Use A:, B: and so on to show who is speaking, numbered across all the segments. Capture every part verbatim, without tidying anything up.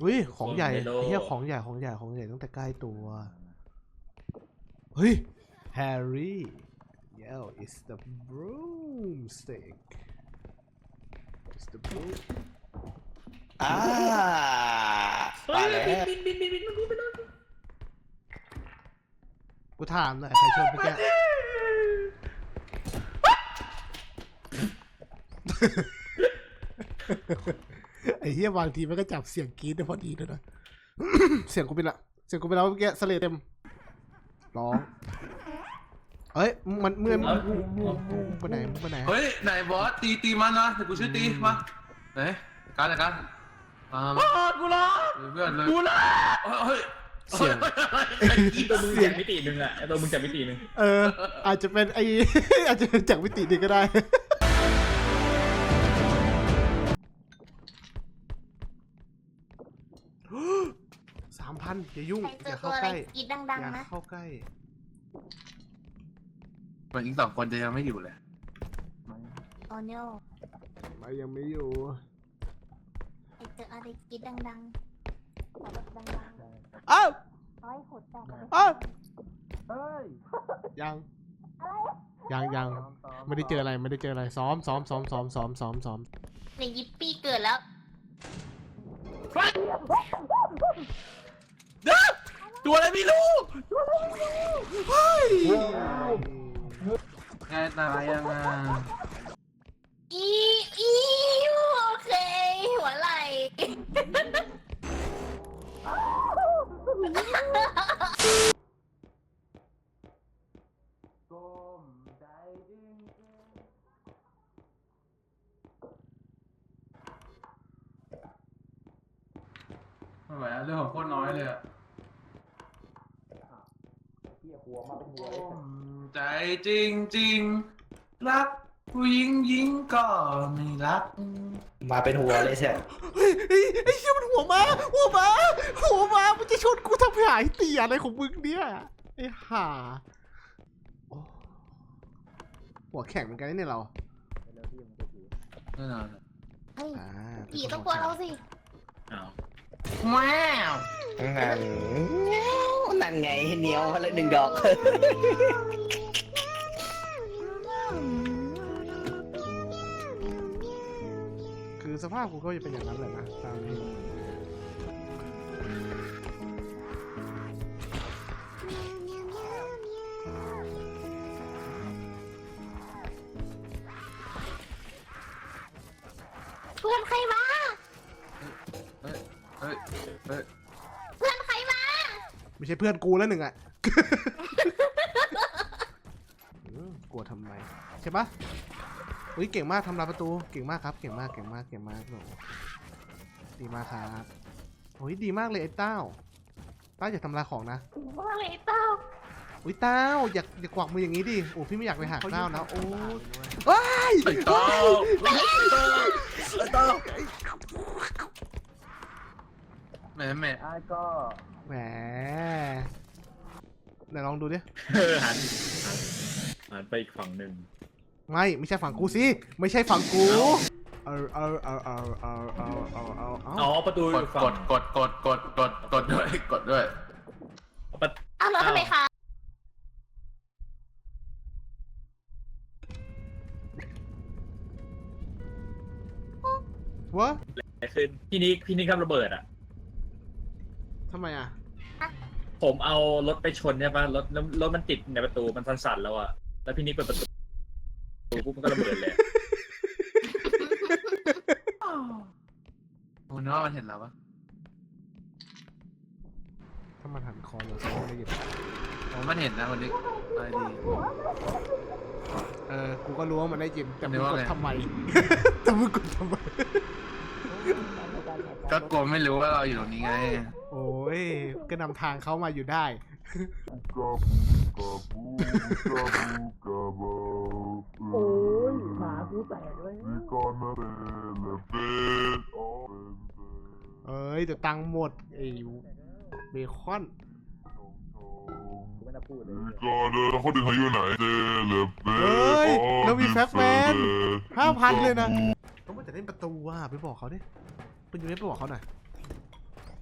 A: อุ้ยของใหญ่เฮียของใหญ่ของใหญ่ของใหญ่ตั้งแต่ใกล้ตัวเฮ้ยแฮร์รี่ yeah it's the broomstick it's the broom
B: อ่ามาแล้ว
A: กูถามหน่อยใครชนเมื่อกี้ไอ้เหี้ยบางทีมันก็จับเสียงกรี๊ดได้พอดีด้วยนะ เสียงกูเป็นละเสียงกูเป็นแล้วเมื่อกี้สเลดเต็มร้องเอ้ยมันเมื่อมึงไปไหนมึงไปไหน
C: เฮ้ยไหนบอสตีตีมันนะแต่กูช่วยตีมาไหนการอะไรกันมามากูรอเพื่อนเลยกูรอเฮ้ย
A: เสียง
D: ตัวมึงจากมิติหนึ่งอะตัวมึงจากมิติหนึ่ง
A: เอออาจจะเป็นไอ อาจจะเป็นจากมิตินี้ก็ได้สามพันอย่ายุ่งอย่าเข้าใกล้
E: กินดังๆ
A: อย่า
E: นะ
A: เข้าใกล้
C: มันอีกสองคนจะยังไม่อยู่เลย
E: โอเนียล
A: มายังไม่อยู่
E: ไอเจออะไรกินดังๆขอแบบดัง
A: อ้าว
E: ๆร้อยหดแตกเลย
A: อ้าว
C: เฮ้ย
A: ยังยังยังไม่ได้เจออะไรไม่ได้เจออะไรซ้อมซ้อมซ้อมซ้อมซ้อมซ้อมซ้อม
E: ในยิปปี้เกิดแล้ว
C: ตัวอะไรไม่รู้แกตายยังอ่ะ
E: อีอีโอเคหัวไหล่
C: ไม่ไหวเรื่องของโคตรน้อยเลยอ่ะใจจริงจริงรักผู้หญิงหญิงก็ไม่รัก
B: มาเป็นหัวเลยใช่
A: เฮ้ยไอ้ไอ้เชี่ยมันหัวมาหัวมาหัวมามันจะชนกูทำหายเตียอะไรของมึงเนี่ยไอ้ห่าหัวแข็งเหมือนกันเนี่ยเรา
C: แน่นอน
E: เฮ้ย
A: อ่า
E: ผีต้องกลัวเราสิ
D: อ้าว
C: ว้าว
B: นั่นนั่นไงเหนียวแล้วหนึ่งดอก
A: คือสภาพกูก็จะเป็นอย่างนั้นแหละนะตามนี้
E: เพื่อนใครมา
C: เฮ้ยเฮ้ยเฮ้ย
E: เพื่อนใครมา
A: ไม่ใช่เพื่อนกูแล้วหนึ่งอ่ะ กลัวทำไมใช่ปะเฮ้ยเก่งมากทำลายประตูเก่งมากครับเก่งมากเก่งมากเก่งมากหนูดีมากครับโอ้ยดีมากเลยไอ้เต้าเต้าอย่าทำลายของนะ
E: ว่าอะไรเต้า
A: อุ้ยเต้าอย่าอย่ากวักมืออย่างนี้ดิโอ้พี่ไม่อยากไปหักเต้านะโอ้ว้าย
C: ไอ้เต้าไอ้เต้าแหม่แหม่ไอ้ก็
A: แหมไหนลองดูดิ
D: เออหันหันหันไปอีกฝั่งหนึ่ง
A: ไม่ไม่ใช่ฝั่งกูสิไม่ใช่ฝั่งกูเออเออเออเออเออเออเออเออเอ
D: อ๋อ
A: อ
D: ประตู
C: กดกดกดกดกดกดกดด้วยกดด้วย
D: ประ
E: เอาแล้วทำไมคะ
A: วะ
D: อะไรขึ้นพี่นิกพี่นิกทำระเบิดอ่ะ
A: ทำไมอ่ะ
D: ผมเอารถไปชนใช่ปะรถแล้วรถมันติดในประตูมันสั่นๆแล้วอ่ะแล้วพี่นิกเปิดประตูปุ๊บมันก็ระเบิดเลย
C: ผมนึกว่ามันเห็นแล้วปะ
A: ถ้ามันหันคอเราจะไม่ได้ยิน
C: ผมมันเห็นนะคนนี้อะไรดี
A: เออกูก็รู้ว่ามันได้ยินแต่มึง
C: นึก
A: ก
C: ว่า
A: ด
C: ไง
A: ทำไม แต่มึงกดทำไม
C: ก็กลัวไม่รู้ว่าเราอยู่ตรงนี้ไง
A: โอ้ยก็นำทางเขามาอยู่ได้
F: โอ้ยหมากูแตกเลย
A: เอ้ยเดี๋ยวตังค์หมดไอ้เบคอน
D: ไม่น่าพูดเลย
G: ก็เดินเขาดึงเขาอยู่ไหนเจเลเบ
A: เฮ้ยเรามีแฟกแมนห้าพันเลยนะต้องมาจะเล่นประตูว่ะไปบอกเขาดิคุณยูเล่นไปบอกเขาหน่อย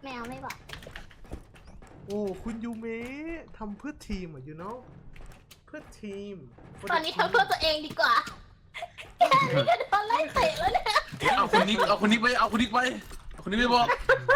E: ไม่เอาไม่บอก
A: โอ้คุณยูเมะทำเพื่อทีมอ่ะ you know เพื่อทีม
E: ตอนนี้ทำเพื่อตัวเองดีกว่าแค่นี้ก็โดนไล่เตะแล้วเนี่ย
C: เอาคนนิกเอาคนนิกไปเอาคนนิกไปเอาคนนิกไปบอก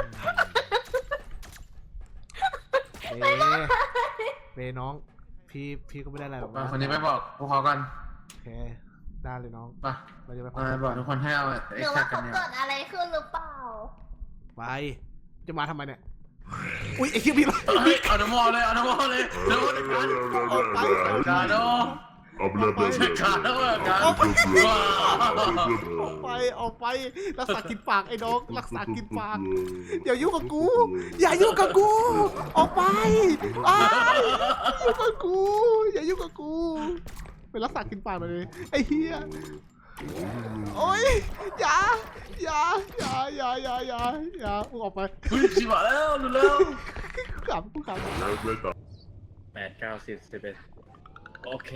A: เบเบน้อง พี่พี่ก็ไม่ได้อะไรหรอก
C: มา
A: นะ
C: คนนี้ไปบอกพวกเขากัน
A: โอเคได้เลยน้อง
C: ไป
A: เราจะไป
C: มาบอกทุกคนให้เอา
E: ห
C: ไอ้
E: รือ
C: แท็
E: ว่าก
C: กั
E: เขา
C: นเนี่ย
E: เกิดอะไรขึ้นหรือเปล่า
A: ไปจะมาทำไมเนี่ยอุ้ยไอ้เหี้ยพี่
C: เฮ้ยเอาน้ำมอเลยเอาน้ำมอเลยเดี๋ยวเดี๋ยวกันกาโด
G: เอาไปเลยไปเลย
C: เช็คขาดแล้วกันว้า
A: ออกไปออกไปรักษากินปากไอ้น้องรักษากินปากอย่ายุ่งกับกูอย่ายุ่งกับกูออกไปอ้ายอย่ายุ่งกับกูอย่ายุ่งกับกูไปรักษากินปากหน่อยเลยไอ้เหี้ยโอ๊ยอย่าอย่าอย่าอย่าอย่าอย่าอย่ามึงออกไป
C: เฮ้ยชิบะแล้วดูแล้ว
A: กูขำกูขำ
G: ไม่ต่อ
D: แปดเก้าสิบสิบเอ็ดโอเค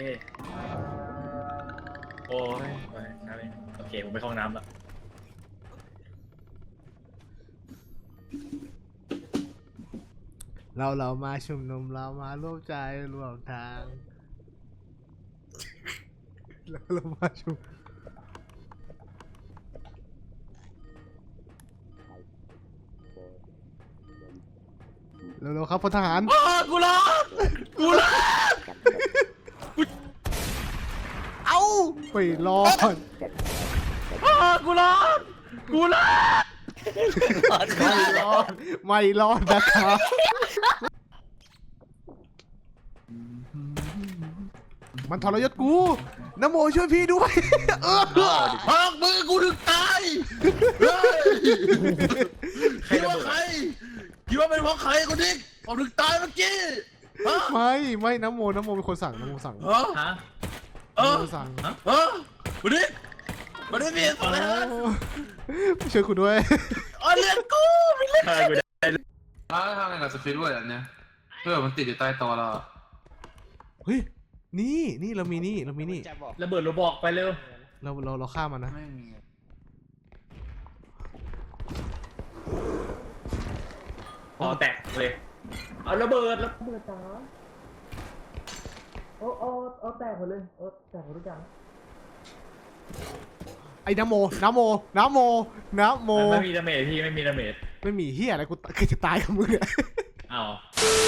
D: โอ้ยโอ้ยน้ำเองโอเค ผมไปเข้าห้องน้ำละ
A: เราเรามาชุมนุมเรามาร่วมใจร่วมทางเราเรามาชุมเร็วๆครับพลทหาร
C: อ้ากูรอกูรอ
A: เอ้าไม่รอด
C: อ้ากูรอกูรอ
A: ไม่รอดไม่รอดนะครับมันทรยศกูนโมช่วยพี่ด้วยเออ
C: พักมือกูถึงตายเฮ้ยคิดว่าใครคิดว่าเป็นเพราะใครคนนี้ผมถึงตายเมื่อกี้ฮะ
A: ไม่ไม่นโมนโมเป็นคนสั่งนโมสั่ง
C: ฮะ
D: ฮะ
C: เอน อ
A: โมสั่ง
C: ฮะวันนี้วันนี้มีอะไรนะ
A: ช่วยกูด้วย
C: อ๋อเรียนกูไม่เล่น
D: ใช่กูได้
C: อ่าทำไงกับสฟิตเวิร์ดอันเนี้ยเพื่อมันติดอยู่ใต้โต๊ะเรา
A: เฮ้ยนี่นี่เรามีนี่เรามีนี่
B: จะบอก
D: ระเบิดระบอกไปเร็ว
A: เราเราเราฆ่ามันนะ
C: ไม่มี
D: พอแตกเลย เอาระเบิดแล้วระเบิดจ้า
F: โอ้โอ้โอ้แตกหมดเลยโอ้แตกหมดทุกอย่าง
A: ไอ้นโมนโมนโมนโม
D: ไม่มีดาเมจพี่ไม่มีดาเมจ
A: ไม่มีเฮียอะไรกูจะตายกับมึงเนี่ย
D: อ้าว